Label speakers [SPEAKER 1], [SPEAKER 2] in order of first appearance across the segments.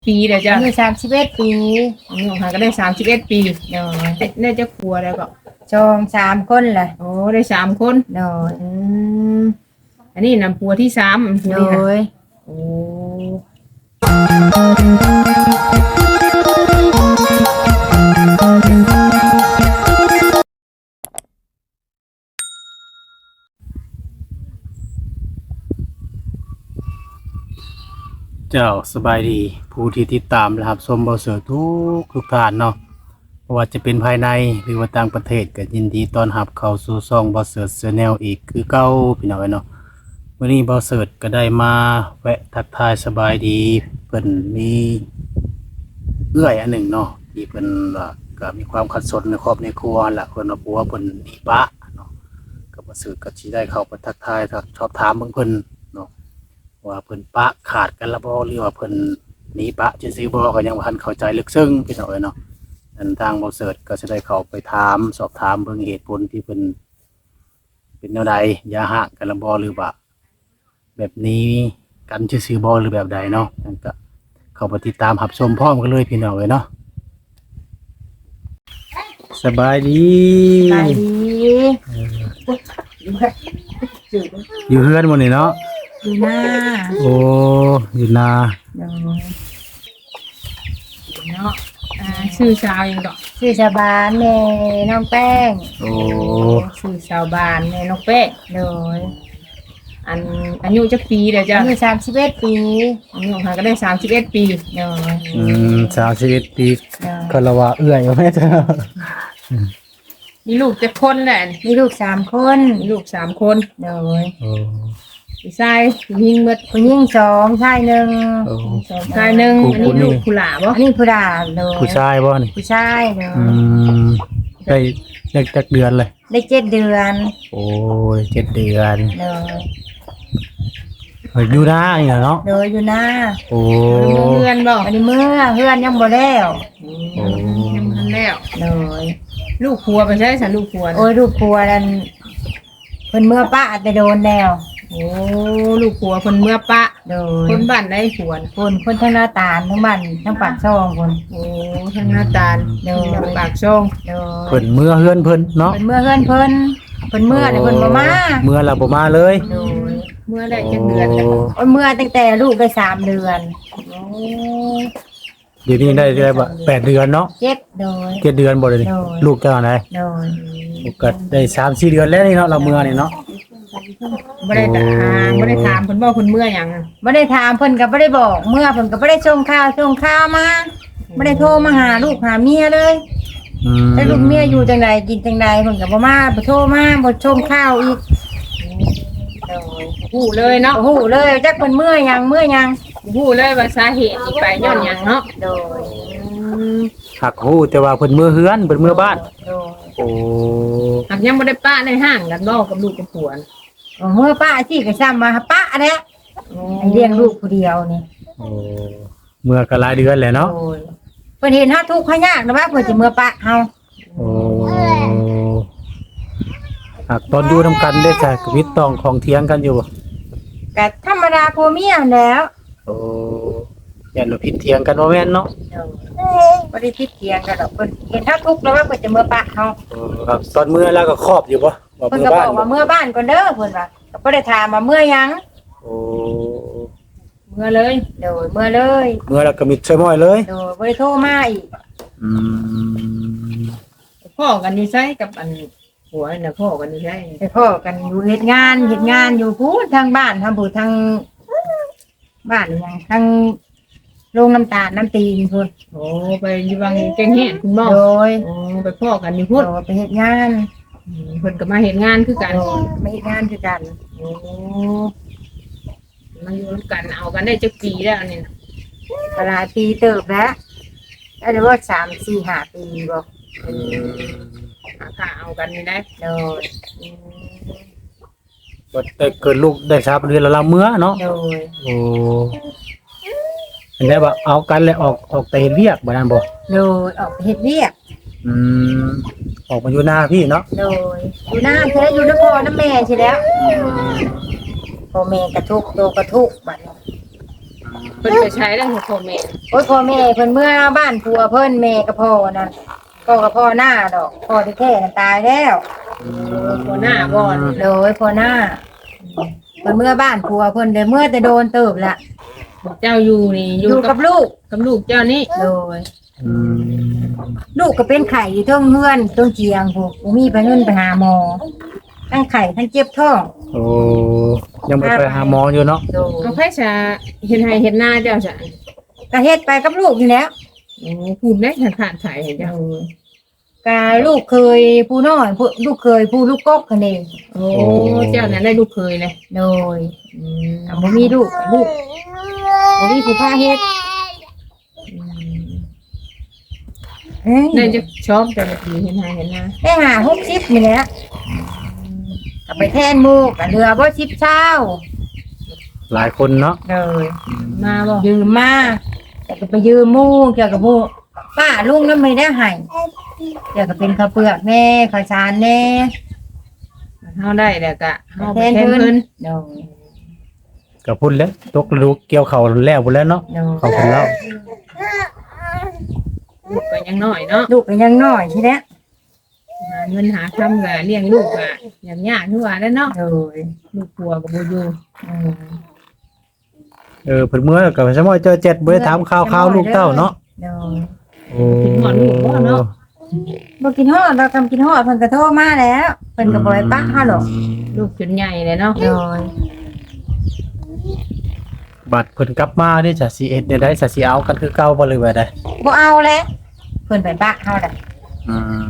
[SPEAKER 1] ปีเดี๋ยวจะ
[SPEAKER 2] อายุ31 ปี
[SPEAKER 1] อายุห่างก็ได้31 ปี
[SPEAKER 2] โดย
[SPEAKER 1] ได้จะครัวแล้วก็
[SPEAKER 2] จอง3 คนแหละ
[SPEAKER 1] โอ้ได้3 คน
[SPEAKER 2] โดย
[SPEAKER 1] อืมอันนี้นำปัวที่3ปัว
[SPEAKER 2] โด
[SPEAKER 1] นี้นะ
[SPEAKER 2] ย
[SPEAKER 1] โอ้
[SPEAKER 3] เจ้าสบายดีผู้ที่ติดตามนะครับชมเบาเสือทุกท่านเนาะเพราะว่าจะเป็นภายในหรือว่าต่างประเทศก็ยินดีต้อนรับเข้าสู่ช่องเบาเสือแนลอีกคือเก่าพี่น้องเนาะวันนี้เบาเสือก็ได้มาแวะทักทายสบายดีเพิ่นมีเอื้อยอันหนึ่งเนาะที่เพิ่นว่าก็มีความขัดสนในครอบในครัวล่ะเพิ่นว่าผัวเพิ่นหนีปะเนาะก็เบาเสือก็สิได้เข้าไปทักทายชอบถามเพิ่นเนาะ ว่าเพิ่นปะขาดกันละบ่หรือว่าเพิ่นหนีปะซื่อๆบ่ก็ยังบ่ทันเข้าใจลึกซึ้งพี่น้องเอ้ยเนาะอันทางบ่เสิร์ชก็จะได้เข้าไปถามสอบถามเบิ่งเหตุผลที่เพิ่นเป็นแนวใดอย่าหะกันละบ่หรือว่าแบบนี้กันซื่อๆบ่หรือแบบใดเนาะนั่นก็เข้าไปติดตามรับชมพร้อมกันเลยพี่น้องเอ้ยเนาะสบายดี
[SPEAKER 2] ไปดี
[SPEAKER 3] อยู่เฮือนหมดนี่เนาะ
[SPEAKER 2] อยู่หน้า
[SPEAKER 3] โอ้อยู่นา
[SPEAKER 2] โดย
[SPEAKER 1] เนาะชื่อชาวยังดอก
[SPEAKER 2] ชื่อชาวบ้านแม่น้องแป้ง
[SPEAKER 3] โอ้
[SPEAKER 1] ชื่อชาวบ้านแม่นกเป้
[SPEAKER 2] โดย
[SPEAKER 1] อันอายุจักปีเดี๋ยวจะ
[SPEAKER 2] อายุ31 ปี
[SPEAKER 1] อายุห่างก็ได้31 ปี
[SPEAKER 2] โดย
[SPEAKER 3] 31 ปี
[SPEAKER 2] โดย
[SPEAKER 3] ก็ละว่าเอื้อยว่าแม่เจ้า
[SPEAKER 1] มีลูกจะคนแหละ
[SPEAKER 2] มีลูก3 คน
[SPEAKER 1] มีลูก3 คน
[SPEAKER 2] โดย
[SPEAKER 3] โอ้
[SPEAKER 1] ผู้ชายผู้หญิงหมด
[SPEAKER 2] ผู้หญิง2ชาย1
[SPEAKER 3] โอ้
[SPEAKER 1] ชายหนึ่งอันนี้ลูกผู้หลาบ่
[SPEAKER 2] อันนี้ผู้ดาโดย
[SPEAKER 3] ผู้ชายบ่นี่
[SPEAKER 2] ผู้ชายโดย
[SPEAKER 3] ได้จักเดือนเลย
[SPEAKER 2] ได้7 เดือน
[SPEAKER 3] โอ้ย7 เดือน
[SPEAKER 2] โดย
[SPEAKER 3] อยู่นานี่เนาะ
[SPEAKER 2] โดยอยู่หน้า
[SPEAKER 3] โอ้
[SPEAKER 1] เพื่อนบ่
[SPEAKER 2] อันนี้เมื่อเพื่อนยังบ่แล้ว
[SPEAKER 1] ยังทันแล้ว
[SPEAKER 2] โดย
[SPEAKER 1] ลูกครัวไปใช้สันลูกครัว
[SPEAKER 2] โอ้ยลูกครัวนั่นเพิ่นเมื่อป้าแต่โดนแล้ว
[SPEAKER 1] โอ้ลูกครัวคนเมื่อปะ
[SPEAKER 2] โดย
[SPEAKER 1] คนบ้านได้ขวน
[SPEAKER 2] คนทั้งหน้าตาลทั้งบ้านทั้งปากช่องคน
[SPEAKER 1] โอ้ทั้งหน้าตาล
[SPEAKER 2] โดย
[SPEAKER 1] ทั้งปากช่อง
[SPEAKER 2] โดย
[SPEAKER 3] เพิ่นเมื่อเฮือนเพิ่นเนาะ
[SPEAKER 2] เพิ่นเมื่อเพื่อนเพิ่นเมื่อแต่เพิ่นบ่มา
[SPEAKER 3] เมื่อเราบ่มาเลย
[SPEAKER 2] โดย
[SPEAKER 1] เมื่อได้จักเดือนแล้ว
[SPEAKER 2] โอ้ยเมื่อตั้งแต่ลูกได้3 เดือน
[SPEAKER 1] โอ้
[SPEAKER 3] เดี๋ยวนี้ได้บ่8 เดือนเนาะ
[SPEAKER 2] 7โดย
[SPEAKER 3] 7 เดือนบ่เลยนี่
[SPEAKER 2] โดย
[SPEAKER 3] ลูกเจ้าไหน
[SPEAKER 2] โดย
[SPEAKER 3] ก็ได้3-4 เดือนแล้วนี่เนาะเราเมื่อนี่เนาะ
[SPEAKER 1] บ่ได้ถามเพิ่นบ่เพิ่นเมื่อหยังอะ
[SPEAKER 2] บ่ได้ถามเพิ่นก็บ่ได้บอกเมื่อเพิ่นก็บ่ได้ส่งข่าวมาบ่ได้โทรมาหาลูกหาเมียเลย แต่ลูกเมียอยู่จังใดกินจังใดเพิ่นก็บ่มาบ่โทรมาบ่ชมข่าวอีก
[SPEAKER 1] ฮู้เลยเนาะ
[SPEAKER 2] โอ้โหเลยจักเพิ่นเมื่อหยัง
[SPEAKER 1] ฮู้เลยว่าสาเหตุที่ไปย้อนหยังเนาะ
[SPEAKER 2] โดย
[SPEAKER 3] หักฮู้แต่ว่าเพิ่นเมื่อเฮือนเพิ่นเมื่อบ้าน
[SPEAKER 2] โดย
[SPEAKER 3] โอ้
[SPEAKER 1] หากยังบ่ได้ปะในห้างกันบ่กับลูกกับผัวน่ะ
[SPEAKER 2] เมื่อป้าสิก็ซ้ำมาป้าแหละให้เลี้ยงลูกผู้เดียวนี่
[SPEAKER 3] โอ้เมื่อก็หลายเดือนแหละเนาะ
[SPEAKER 2] โดยเพิ่นเห็นเฮาทุกข์เฮายากนะว่าเพิ่นสิเมื่อป้าเฮา
[SPEAKER 3] โอ้หากตอนอยู่นำกันได้จ้ะวิตต้องของเถียงกันอยู่บ่
[SPEAKER 2] ก็ธรรมดาผัวเมียแหล้ว
[SPEAKER 3] โอ้อย่าหนูผิดเถียงกันบ่แม่นเนาะ
[SPEAKER 2] บ่ได้คิดเถียงกันดอกเพิ่นเห็นเฮาทุกข์แล้วว่าเพิ่นจะเมื่อป้าเฮา
[SPEAKER 3] ครับตอนเมื่อแล้วก็ครอบอยู่บ่ว่า
[SPEAKER 2] เพิ่น
[SPEAKER 3] เมื่อ
[SPEAKER 2] ก็บ
[SPEAKER 3] บ้า
[SPEAKER 2] อน กว่าเมื่อบ้านก่อนเด้อเพิ่นว่าก็บ่ได้ถามว่าเมื่อหยัง
[SPEAKER 3] โอ้
[SPEAKER 1] เมื่อเลย
[SPEAKER 2] โดยเมื่อเลย
[SPEAKER 3] เมื่อแล้วก็มิดใช่ม้อยเลย
[SPEAKER 2] โดยบ่ได้โทรมาอีก
[SPEAKER 3] อืม
[SPEAKER 1] พ่อกันอยู่ใช้กับอันผัวน่ะพ่อกันอยู่ใช้
[SPEAKER 2] ไปพ้อกันอยู่เฮ็ดงานอยู่พู้นทางบ้านทางผู้ทางบ้านหยังทางโรงน้ำตาลน้ำตีนพุ่น
[SPEAKER 1] โอ้ไปอยู่วังเก่งแห่คุณหมอ
[SPEAKER 2] โดย
[SPEAKER 1] โอ้ไปพ่อกันอยู่พุ่น
[SPEAKER 2] โดยไปเฮ็ดงาน
[SPEAKER 1] เพิ่นก็มาเฮ็ดงานคือกัน
[SPEAKER 2] โดยไปเฮ็ดงานคือกัน
[SPEAKER 1] โอ้มาอยู่กันเอากันได้จักปีแล้วนี่นะ
[SPEAKER 2] ก็หลายปีเติบแล้วได้ว่า3 4 5 ปีบ่
[SPEAKER 1] หาค่าเอากันนี่ได้
[SPEAKER 2] โดย
[SPEAKER 3] บ่ได้เกิดลูกได้3 เดือนแล้วเราเมื่อเนาะ
[SPEAKER 2] โดย
[SPEAKER 3] โอ้เห็นได้ว่าเอากันแล้วออกไปเฮ็ดเวียกบ่นั่นบ่
[SPEAKER 2] โดยออกไปเฮ็ดเวียก
[SPEAKER 3] อืมออกมาอยู่หน้าพี่เนาะ
[SPEAKER 2] โดยอยู่หน้าเธออยู่นครน้ำแม่ใช่แล้วพ่อแม่กระทุกโตกระทุกบัดนี้
[SPEAKER 3] อื
[SPEAKER 1] เพิ่นไปใช้ได้ของพ่อแม่
[SPEAKER 2] โอ้ยพ่อแม่เพิ่นเมื่อบ้านผัวเพิ่นแม่กับพ่อนั่นพ่อกับพ่อหน้าดอกพ่อที่แท้ๆตายแล้ว
[SPEAKER 1] หัวหน้าบ่อน
[SPEAKER 2] โดยพ่อหน้าเพิ่นเมื่อบ้านผัวเพิ่นได้เมื่อแต่โดนเติบละ
[SPEAKER 1] เจ้าอยู่นี่อ
[SPEAKER 2] อยู่ ยู่กับลูก
[SPEAKER 1] กับลูกเจ้านี่
[SPEAKER 2] โดยลูกก็เป็นไข่อยู่เทิงเฮือนเทิงเจียงพวกบ่มีไปเงินไปหาหมอทั้งไข่ทั้งเจ็บท้อง
[SPEAKER 3] โอ้ยังบ่ไปหาหมออยู่เนาะ
[SPEAKER 2] โดย
[SPEAKER 1] เอาไผจะเฮ็ดให้เฮ็ดหน้าเจ้าจ้ะ
[SPEAKER 2] ก็เฮ็ดไปกับลูกนี่แหล้ว
[SPEAKER 1] โอ้พูดได้ขาดไถ่ให้เจ้า
[SPEAKER 2] ก็ลูกเคยผู้น้อยผู้ลูกเคยผู้ลูกกกกันเอง
[SPEAKER 1] โอ้เจ้านั้นได้ลูกเคยเลย
[SPEAKER 2] โดยก็บ่มีลูกบ่มีผู้พาเฮ็ดเอ้ย
[SPEAKER 1] ได้จะชอบแต่ละทีเฮ็ดให้เฮ็ดหน้า
[SPEAKER 2] ได้หา60นี่แหละก็ไปแทนหมู่ก็เหลือบ่10เช้า
[SPEAKER 3] หลายคนเนาะ
[SPEAKER 2] เลย
[SPEAKER 1] มาบ่
[SPEAKER 2] ยืมมาแต่ก็ไปยืมหมู่เกี่ยวกับหมู่ป้าลุงนั้นไม่ได้ให้เกี่ยวกับเป็นข้าวเปลือกแน่ข้าวสารแน่
[SPEAKER 1] เฮาได้แล้วก็เฮา
[SPEAKER 2] แท
[SPEAKER 1] ไป
[SPEAKER 2] น
[SPEAKER 1] แทน
[SPEAKER 2] เพิ่
[SPEAKER 1] เพิ่
[SPEAKER 2] น
[SPEAKER 1] น
[SPEAKER 2] โดย
[SPEAKER 3] ก็พุ่นแล้วตกฤดูเกี่ยวข้าวแล้วพุ่นแล้วเนาะ
[SPEAKER 2] โดย
[SPEAKER 3] เขาพุ่นแล้ว
[SPEAKER 1] ลูกก็ยังน้อยเนาะ
[SPEAKER 2] ลูกก็ยังน้อยใช่ไหม
[SPEAKER 1] หาเงินหาคำก็เลี้ยงลูกก็อย่างยากคือว่าแล้วเนาะ
[SPEAKER 2] โดย
[SPEAKER 1] ลูกผัวก็บ่อยู่
[SPEAKER 2] อืม
[SPEAKER 3] เพิ่นเมื่อก็สมมุติเจอเจ็ดบ่ได้ถามข่าวลูกเต้าเนาะ
[SPEAKER 2] โดย
[SPEAKER 3] โอ้
[SPEAKER 2] บ่กินฮอดเราทำกินฮอดเพิ่นก็โทรมาแล้วเพิ่นก็บ่ให้ปะเฮาหรอก
[SPEAKER 1] ลูกจนใหญ่เลยเนาะ
[SPEAKER 2] โดย
[SPEAKER 3] บัดเพิ่นกลับมานี่จะสิเอ็ดได้จะสิเอากันคือเก่าบ่เลยว่าได้
[SPEAKER 2] บ่เอาแล้วเพิ่นไปปะเฮาได้
[SPEAKER 3] อืม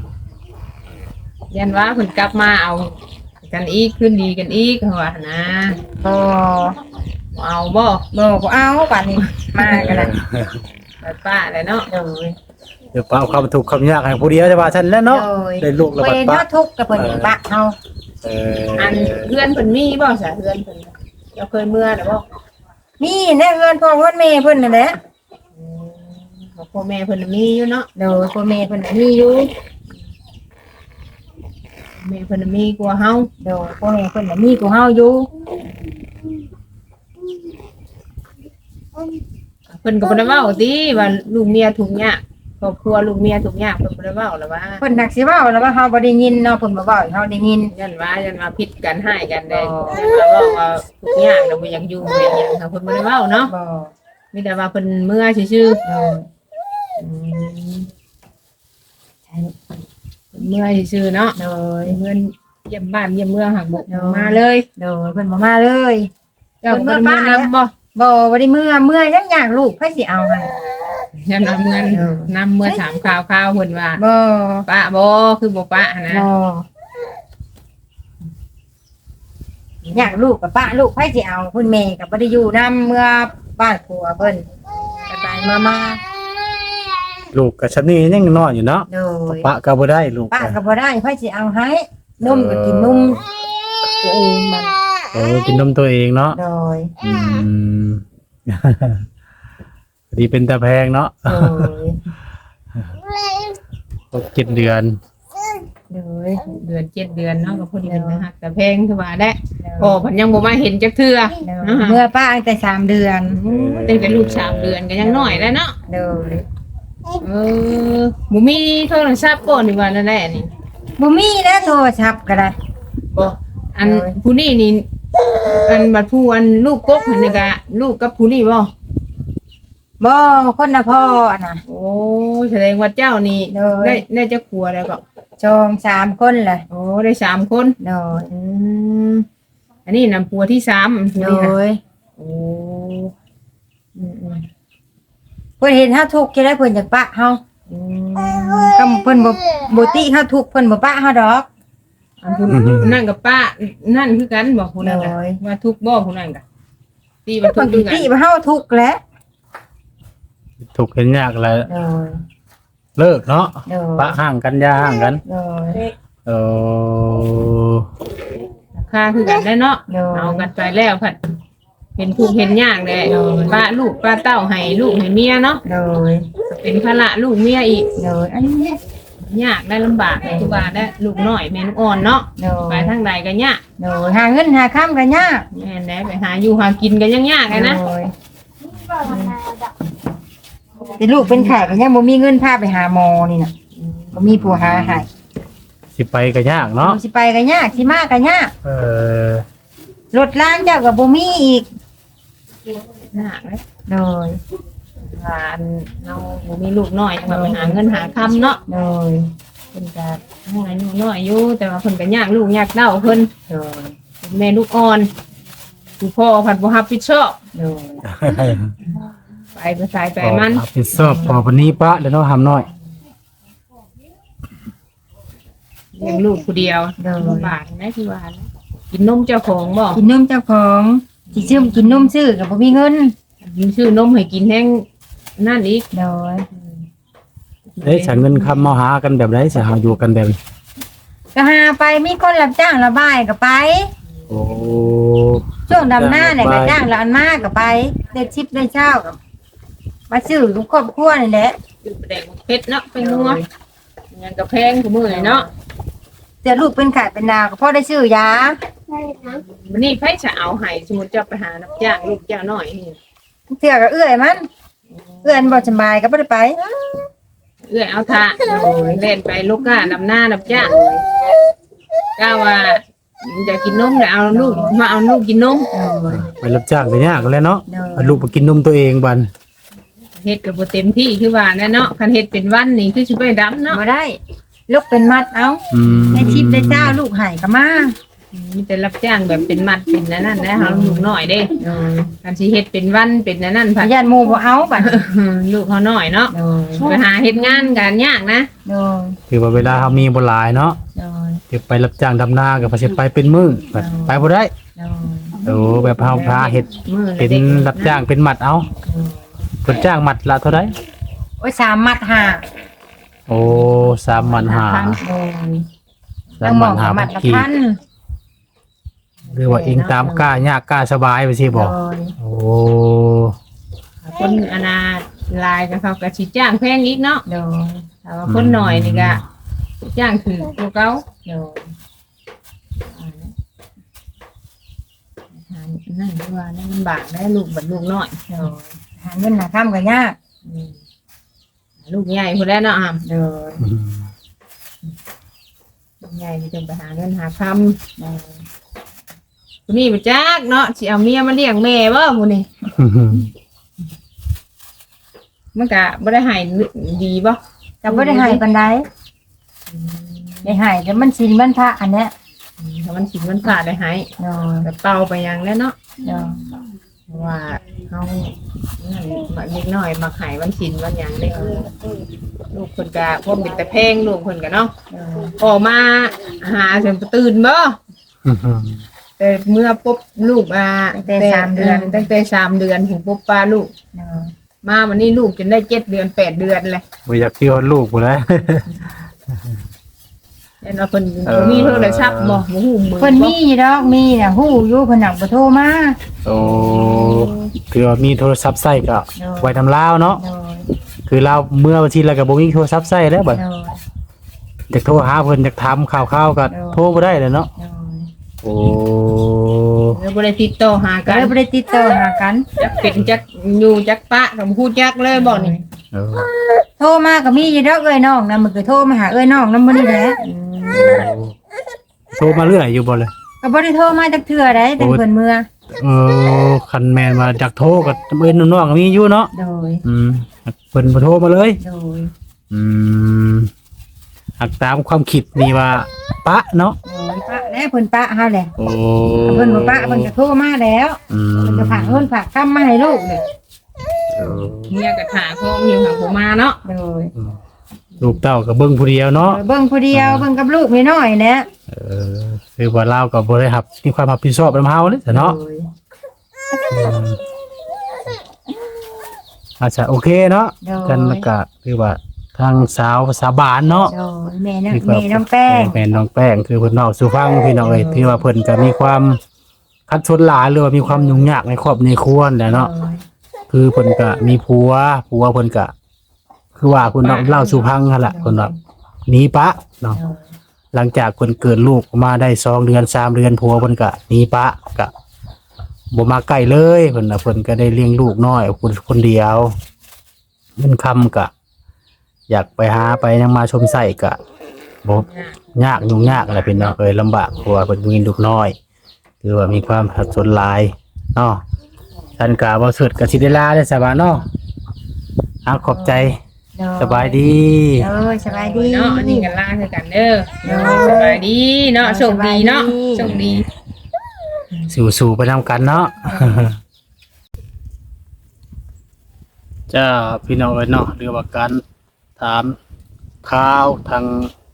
[SPEAKER 1] ยันว่าเพิ่นกลับมาเอากันอีกคืนดีกันอีกเขาว่านะ
[SPEAKER 2] บ่
[SPEAKER 1] เอาบ่
[SPEAKER 2] บ่เอาป่านนี้มากันแล้ว
[SPEAKER 1] ไปป้าเลยเนาะ
[SPEAKER 2] โดย
[SPEAKER 3] เดี๋ยวป้าเอาความทุกข์ความยากให้ผู้เดียวจะว่าซั่นแล้วเนาะ
[SPEAKER 2] โดย
[SPEAKER 3] ได้ลูกแล้วบัด
[SPEAKER 2] เพิ่น
[SPEAKER 3] ป้า
[SPEAKER 2] เฮาทุกข์กับเพิ่นไปปะเฮา
[SPEAKER 3] เอ
[SPEAKER 1] อันเพื่อนเพิ่นมีบ่ซะเพื่อนเพิ่นเราเคยเมื่อหรือบ่
[SPEAKER 2] นี่แน่เงินพ่อเงินแม่เพิ่นนั่นแหละ
[SPEAKER 1] พ่อแม่เพิ่นมีอยู่เนาะ
[SPEAKER 2] โดยพ่อแม่เพิ่นน่ะมีอยู่
[SPEAKER 1] แม่เพิ่นมีกว่าเฮา
[SPEAKER 2] โดยพ่อแม่เพิ่นน่ะมีกูเฮาอยู่
[SPEAKER 1] เพิ่นก็บ่ได้เว้าติว่าลูกเมียทุกข์ยากครอบครัวลูกเมียทุกข์ยากเพิ่นบ่ได้เว้าหรอกว่า
[SPEAKER 2] เพิ่นนักสิเว้าแล้วว่าเฮาบ่ได้ยินเนาะเพิ่นบ่เว้าให้เฮาได้ยิน
[SPEAKER 1] ยันว่าผิดกันให้กันได้ยันว่าเว้าว่าทุกข์ยากแล้วบ่อยากอยู่บ่อยากหยังค่ะเพิ่นบ่ได้เว้าเนาะ
[SPEAKER 2] บ่
[SPEAKER 1] มีแต่ว่าเพิ่นเมื่อซื่อ
[SPEAKER 2] โดย
[SPEAKER 1] เมื่อซื่อเนาะ
[SPEAKER 2] โดย
[SPEAKER 1] เงินเยี่ยมบ้านเยี่ยมเมืองหักบุกมาเลย
[SPEAKER 2] โดยเพิ่นบ่มาเลย
[SPEAKER 1] เจ้าเมื่อบ้านนำบ่
[SPEAKER 2] บ่ได้เมื่อยังอยากลูกไผสิเอาให้
[SPEAKER 1] ยันนำเงินนำเมื่อถามข่าวเพิ่นว่า
[SPEAKER 2] บ่
[SPEAKER 1] ป้าบ่คือบ่ป้านะ
[SPEAKER 2] บ่อยากลูกกับป้าลูกไผสิเอาคุณแม่ก็บ่ได้อยู่นํเมื่อบ้านผัวเพิ่นไปมา
[SPEAKER 3] ลูกก็ชั้นนี้ยังน้อยอยู่เนาะ
[SPEAKER 2] โดย
[SPEAKER 3] ป้าก็บ่ได้ลูก
[SPEAKER 2] ป้าก็บ่ได้ไผสิเอาให้นมก็กินนมตัวเองมัน
[SPEAKER 3] โอ้กินนมตัวเองเนาะ
[SPEAKER 2] โดย
[SPEAKER 3] อืม ดีเป็นตาแพงเนาะ
[SPEAKER 2] โดย
[SPEAKER 3] 7 เดือน
[SPEAKER 2] โดย
[SPEAKER 1] เดือน7 เดือนเนาะก็พอดีนะฮะแต่แพงคือว่าได้โอ้เพิ่นยังบ่มาเห็นจักเทื่อ
[SPEAKER 2] เมื่อป้าตั้งแต่3 เดือน
[SPEAKER 1] ตั้งแต่ลูก3 เดือนก็ยังน้อยแล้วเนาะ
[SPEAKER 2] โดย
[SPEAKER 1] บ่มีโทรศัพท์ก่อนนี่ว่านั่นแหละนี่
[SPEAKER 2] บ่มีแล้วโทรศัพท์ก็ได้
[SPEAKER 1] บ่อันผู้นี้นี่อันบัดผู้อันลูกกกนี่ก็ลูกกับผู้นี้บ่
[SPEAKER 2] บ่คนละพ่ออะนะ
[SPEAKER 1] โอ้แสดงว่าเจ้านี่
[SPEAKER 2] โดย
[SPEAKER 1] ได้จักผัวแล้วก็
[SPEAKER 2] จอง3 คนแหละ
[SPEAKER 1] โอ้ได้3 คน
[SPEAKER 2] โดย
[SPEAKER 1] อันนี้นำผัวที่3ผู้
[SPEAKER 2] โด
[SPEAKER 1] นี้นะ
[SPEAKER 2] ย
[SPEAKER 1] โอ้อืม
[SPEAKER 2] เพิ่นเห็นเฮาทุกข์จะได้เพิ่นอยากปะเฮาคำเพิ่นบ่ติเฮาทุกข์เพิ่นบ่ปะเฮาดอก
[SPEAKER 1] อันผู้นั่นกับป้านั่นคือกันบอกผู้นั้น
[SPEAKER 2] โอ้ย
[SPEAKER 1] ว่าทุกบ่ผู้นั้นกะตีว่าทุ
[SPEAKER 2] เพิ่
[SPEAKER 1] ก
[SPEAKER 2] น
[SPEAKER 1] คือกัน
[SPEAKER 2] ติว่าเฮาทุกข์แหล้ว
[SPEAKER 3] ถูกเห็นยากแล้ว
[SPEAKER 2] โดย
[SPEAKER 3] เลิกเนาะ
[SPEAKER 2] โดย
[SPEAKER 3] ปะห่างกันยาห่างกัน
[SPEAKER 2] โดย
[SPEAKER 3] เออ
[SPEAKER 1] ค่าคือกันได้เนาะ
[SPEAKER 2] โดย
[SPEAKER 1] เอากันไปแล้วผัดเห็นผู้เห็นยากแหละป้าลูกป้าเต้าให้ลูกให้เมียเนาะ
[SPEAKER 2] โดย
[SPEAKER 1] เป็นภาระลูกเมียอีก
[SPEAKER 2] โดยอันนี้
[SPEAKER 1] ยากได้ลำบากทุกบ้านได้ลูกน้อยแม่ลูกอ่อนเนาะ
[SPEAKER 2] โด
[SPEAKER 1] ไป
[SPEAKER 2] ย
[SPEAKER 1] ทางใดก็ยาก
[SPEAKER 2] โดยหาเงินหาค้ำก็ยาก
[SPEAKER 1] แม่นแหละไปหาอยู่หากินก็ยังยากเลยนะ
[SPEAKER 2] โดยแต่ลูกเป็นไข้ก็ยังบ่มีเงินพาไปหาหมอนี่น่ะบ่มีผู้หาให้
[SPEAKER 3] สิไปก็ยากเนาะ
[SPEAKER 2] สิไปก็ยากสิมาก็ยาก
[SPEAKER 3] เออ
[SPEAKER 2] รถล้างเจ้าก็บ่มีอีก
[SPEAKER 1] หนักเลย
[SPEAKER 2] โดย
[SPEAKER 1] ว่าอันเราบ่มีลูกน้อยจังว่าไปหาเงินหาคำเนาะ
[SPEAKER 2] โดย
[SPEAKER 1] เพิ่นก็ยังอายุน้อยอยู่แต่ว่าเพิ่นก็ยากลูกยากเต้าเพิ่น
[SPEAKER 2] โดย
[SPEAKER 1] เป็นแม่ลูกอ่อนผู้พ่อผัดบ่รับผิดชอบ
[SPEAKER 2] โดย
[SPEAKER 1] ไปสายไปมัน
[SPEAKER 3] รับผิดชอบพอวันนี้ปะแล้วเนาะหำน้อย
[SPEAKER 1] เลี้ยงลูกผู้เดียวลำบากนะที่ว่านะกินนมเจ้าของบ่
[SPEAKER 2] กินนมเจ้าของสิซื้อกินนมซื้อก็บ่มีเงิน
[SPEAKER 1] ยิงชื่อนมให้กินแห้งนั่นอีก
[SPEAKER 2] โดย
[SPEAKER 3] เอ้ยฉันเงินคำมาหากันแบบไรสิหาอยู่กันแบบนี้
[SPEAKER 2] ก็หาไปมีคนรับจ้างระบายก็ไป
[SPEAKER 3] โอ้
[SPEAKER 2] ช่วงดำหน้าเนี่ยก็จ้างละอันมากก็ไปได้ชิปได้เช้าก็มาซื้อทุกครอบครัวนี่แหละ
[SPEAKER 1] คือแดงเพชรเนาะเป็นนัวยังกระแพงกูมือเลยเนาะ
[SPEAKER 2] แต่ลูกเป็นไข้เป็นดาวก็พอได้ซื้อยา
[SPEAKER 1] วันนี้ไผจะเอาให้สมมุติจะไปหารับจ้างลูกจ้างน้อยนี่
[SPEAKER 2] เทื่อก็เอื้อยมันเอื้อยมันบ่สบายก็บ่ได้ไป
[SPEAKER 1] เอื้อยเอาท่าเล่นไปลูกก้าดำหน้ารับจ้างก้าว่าอยากกินนมเดี๋ยวเอาลูกมาเอาลูกกินนม
[SPEAKER 3] ไปรับจ้างก็ยากแล้วเนาะ
[SPEAKER 2] โดย
[SPEAKER 3] เอาลูกไปกินนมตัวเองบัน
[SPEAKER 1] เฮ็ดก็บ่เต็มที่คือว่าแน่เนาะคันเฮ็ดเป็นวันนี่คือสิไปดำเนาะ
[SPEAKER 2] บ่ได้ลูกเป็นมัดเอา
[SPEAKER 3] อืม
[SPEAKER 2] ได้ชิปได้เช้าลูกให้ก็มา
[SPEAKER 1] มีแต่รับจ้างแบบเป็นมัดเป็นนั่นนะเฮาลูกน้อยเด้คันสิเฮ็ดเป็นวันเป็นนั่น
[SPEAKER 2] พ
[SPEAKER 1] ผัด
[SPEAKER 2] ยานหมู่บ่เอาบัด
[SPEAKER 1] ลูกเขาน้อยเนาะ
[SPEAKER 2] โดย
[SPEAKER 1] ไปหาเฮ็ดงานกันยากนะ
[SPEAKER 2] โดย
[SPEAKER 3] คือว่าเวลาเขามีบ่หลายเนาะ
[SPEAKER 2] โดย
[SPEAKER 3] จะไปรับจ้างดำนาก็พอสิไปเป็นมื้อบัดไปบ่ได้
[SPEAKER 2] โดย
[SPEAKER 3] โอ้แบบเฮาพาเฮ็ด
[SPEAKER 1] มื้อ
[SPEAKER 3] เป็นรับจ้างเป็นหมัดเอาเพิ่นจ้างหมัดละเท่าใด
[SPEAKER 2] โอ้ย3มัดห้า
[SPEAKER 3] โอ้3มันหา
[SPEAKER 2] โดย
[SPEAKER 3] สาม
[SPEAKER 2] หม
[SPEAKER 3] มั
[SPEAKER 2] อน
[SPEAKER 3] หา
[SPEAKER 2] มัดละ
[SPEAKER 3] ขี
[SPEAKER 2] พัน
[SPEAKER 3] หรือว่าเองตามกล้ายากกล้าสบายไปสิบ่
[SPEAKER 2] โดย
[SPEAKER 3] โอ้
[SPEAKER 1] คนอนาลายกับเขาก็สิจ้างแพงอีกเนาะ
[SPEAKER 2] โดย
[SPEAKER 1] แต่ว่าคนน้อยนี่ก็จ้างคือตัวเก่า
[SPEAKER 2] โดย
[SPEAKER 1] นั่นคือว่านั่นลำบากได้ลูกบัดลูกน้อย
[SPEAKER 2] โดยหาเงินหาค่ำก็ยาก
[SPEAKER 1] ลูกใหญ่พุ่นแล้วเนาะอ่ะ
[SPEAKER 2] โดย
[SPEAKER 3] อืม
[SPEAKER 1] ลูกใหญ่นี่ต้องไปหาเงินหาคำผู้นี้บ่จักเนาะสิเอาเมียมาเลี้ยงแม่บ่ผู้นี้มันก็บ่ได้ให้ดีบ่
[SPEAKER 2] ก็บ่ได้ให้ปานใดได้ให้แต่มันศีลมันพระอันเนี้ย
[SPEAKER 1] ถ้ามันสิมันขาดได้ให้
[SPEAKER 2] โดย
[SPEAKER 1] ก็เป่าไปหยังแล้วเนาะ
[SPEAKER 2] โดย
[SPEAKER 1] เพราะว่าเฮานั่นมาเล็กน้อยมาขายวันศิลวันหยังได้ลูกเพิ่นก็พวกเป็นแต่แพงลูกเพิ่นก็เนาะ
[SPEAKER 2] โดย
[SPEAKER 1] ออกมาหาจนตื่นบ่ แต่เมื่อปุ๊บลูกตั้งแต่สามเดือนถึงปุ๊บป้าลูก
[SPEAKER 2] โดย
[SPEAKER 1] มาวันนี้ลูกจนได้7 เดือน 8 เดือนเลย
[SPEAKER 3] บ่อยากเที่ยวลูกบ่แล้ว
[SPEAKER 1] เห็นว่าเพิ่นมีโทรศัพท์บ่ฮู้มือ
[SPEAKER 2] เพิ่นมีอยู่ดอกมีน่ะฮู้อยู่เพิ่นน่ะบ่โทรมา
[SPEAKER 3] โอ้คือว่ามีโทรศัพท์ใช้ก็ไว้ทำลาวเนาะ
[SPEAKER 2] โดย
[SPEAKER 3] คือเราเมื่อวันที่แล้วก็บ่มีโทรศัพท์ใช้แล้วบัด
[SPEAKER 2] โดย
[SPEAKER 3] อยากโทรหาเพิ่นอยากถามข่าวๆก็โทรบ่ได้เลยเนาะ
[SPEAKER 2] โดย
[SPEAKER 3] โอ้
[SPEAKER 1] แล้วบ่ได้ติดต่อหา
[SPEAKER 2] ก็
[SPEAKER 1] กัน
[SPEAKER 2] เลยบ่ได้ติดต่อหากัน
[SPEAKER 1] จักเป็นจักอยู่จักปะก็บ่ฮู้จักเลยบ่นี่
[SPEAKER 3] เออ
[SPEAKER 2] โทรมาก็มีอยู่ดอกเอ้ยน้องนะมันก็โทรมาหาเอ้ยน้องนำบ่นี่แหละ
[SPEAKER 3] โทรมาเรื่อยอยู่บ่เลย
[SPEAKER 2] ก็บ่ได้โทรมาจักเทื่อใดแต่เพิ่นเมื่อ
[SPEAKER 3] คันแม่นว่าอยากโทรก็เอิ้นน้องๆก็มีอยู่เนาะ
[SPEAKER 2] โดย
[SPEAKER 3] เพิ่นบ่โทรมาเลย
[SPEAKER 2] โดย
[SPEAKER 3] อืมหักตามความคิดนี่ว่าปะเนาะ
[SPEAKER 2] โดยปะแล้วเพิ่นปะเฮาแหละ
[SPEAKER 3] โอ้
[SPEAKER 2] เพิ่นบ่ปะเพิ่นก็โทรมาแล้ว
[SPEAKER 3] อืม
[SPEAKER 2] เพิ่นก็ฝากเงินฝากคำมาให้ลูกนี่
[SPEAKER 3] เออ
[SPEAKER 1] เมียก็ถาโคมอยู่หาผมมาเนาะ
[SPEAKER 2] โดย
[SPEAKER 3] ลูกเต้าก็เบิ่งผู้เดียวเนาะ
[SPEAKER 2] เบิ่งผู้เดียวเบิ่งกับลูกน้อยๆแหละ
[SPEAKER 3] คือว่าเราก็บ่ได้รับมีความรับผิดชอบนำเฮาเลยเนาะ
[SPEAKER 2] โดย
[SPEAKER 3] อาจจะโอเคเนาะ
[SPEAKER 2] โดย
[SPEAKER 3] กันแล้วก็คือว่าทางสาวภาษาบานเนาะ
[SPEAKER 2] โดยแม่น้องแป้ง
[SPEAKER 3] แม่น้องแป้งคือเพิ่นเนาสู่ฟังพี่น้องเอ้ยที่ว่าเพิ่นก็มีความคัดชนหลายหรือว่ามีความยุ่งยากในครอบในครัวนั่นแหละเนาะ
[SPEAKER 2] โดย
[SPEAKER 3] คือเพิ่นก็มีผัวเพิ่นก็คือว่าเพิ่นเล่าสู่ฟังหั่นล่ะเพิ่นว่าหนีปะเนาะ
[SPEAKER 2] โดย
[SPEAKER 3] หลังจากเพิ่นเกิดลูกมาได้2 เดือน 3 เดือนผัวเพิ่นก็หนีปะก็บ่มาใกล้เลยเพิ่นน่ะเพิ่นก็ได้เลี้ยงลูกน้อยคนเดียวเงินคำก็อยากไปหาไปยังมาชมไส้ก็บ่ยากยุ่งยากอะไรพี่น้องเอ้ยลำบากเพราะว่าเพิ่นมีลูกน้อยคือว่ามีความสับสนหลายเนาะท่านกาบ่เสิร์ชก็สิได้ลาได้อสบายเนาะขอบใจสบายดี
[SPEAKER 2] สบายดี
[SPEAKER 1] เนาะอันนี้กันล่าคือกันเด้อสบายดีเนาะโชคดีเนาะโชคดี
[SPEAKER 3] สู่ไปนำกันเนาะ จ้าพี่น้องเอ้ยเนาะเรื่องว่าการถามข่าวทาง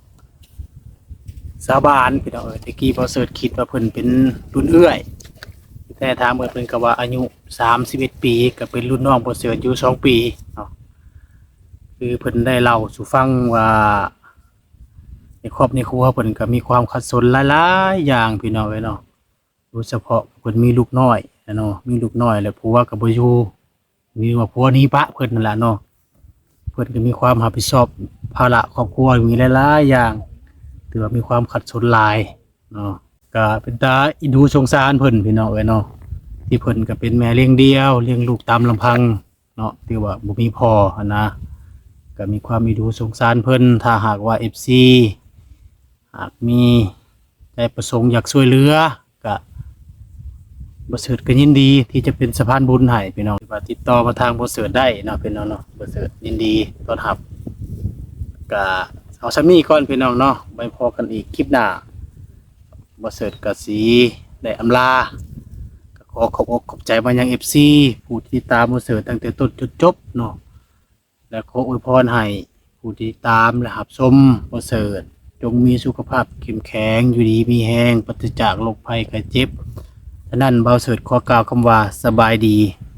[SPEAKER 3] สาบานพี่น้องเอ้ยตะกี้พอเสิร์ชคิดว่าเพิ่นเป็นรุ่นเอื้อยแต่ถามเพิ่นก็ว่าอายุ31ปีก็เป็นรุ่นน้องพอเสิร์ชอยู่2ปีเนาะคือเพิ่นได้เล่าสู่ฟังว่าในครอบในครัวเพิ่นก็มีความขัดสนหลายๆอย่างพี่น้องเอ้ยเนาะโดยเฉพาะเพิ่นมีลูกน้อยเนาะมีลูกน้อยแล้วผัวก็บ่อยู่มีว่าผัวหนี้ปะเพิ่นนั่นล่ะเนาะเพิ่นก็มีความรับผิดชอบภาระครอบครัวมีหลายๆอย่างถือว่ามีความขัดสนหลายเนาะก็เป็นตาอินดูสงสารเพิ่นพี่น้องเอ้ยเนาะที่เพิ่นก็เป็นแม่เลี้ยงเดี่ยวเลี้ยงลูกตามลำพังเนาะที่ว่าบ่มีพ่อหั้นนะก็มีความอินดูสงสารเพิ่นถ้าหากว่า FC หากมีใจประสงค์อยากช่วยเหลือก็บ่เสิร์ชก็ยินดีที่จะเป็นสะพานบุญให้พี่น้องว่าติดต่อมาทางบ่เสิร์ชได้เนาะพี่น้องเนาะบ่เสิร์ชยินดีต้อนรับก็เอาซะมีก่อนพี่น้องเนาะไว้พอกันอีกคลิปหน้าบ่เสิร์ชก็สิได้อำลาก็ขอขอบอกขอบใจมายัง FC ผู้ที่ตามบ่เสิร์ชตั้งแต่ต้นจนจบเนาะและขออวยพรให้ผู้ที่ตามและรับชมบ่เสิร์ชจงมีสุขภาพเข้มแข็งอยู่ดีมีแรงปราศจากโรคภัยไข้เจ็บฉะนั้นเบาเสิร์ชขอกล่าวคำว่าสบายดี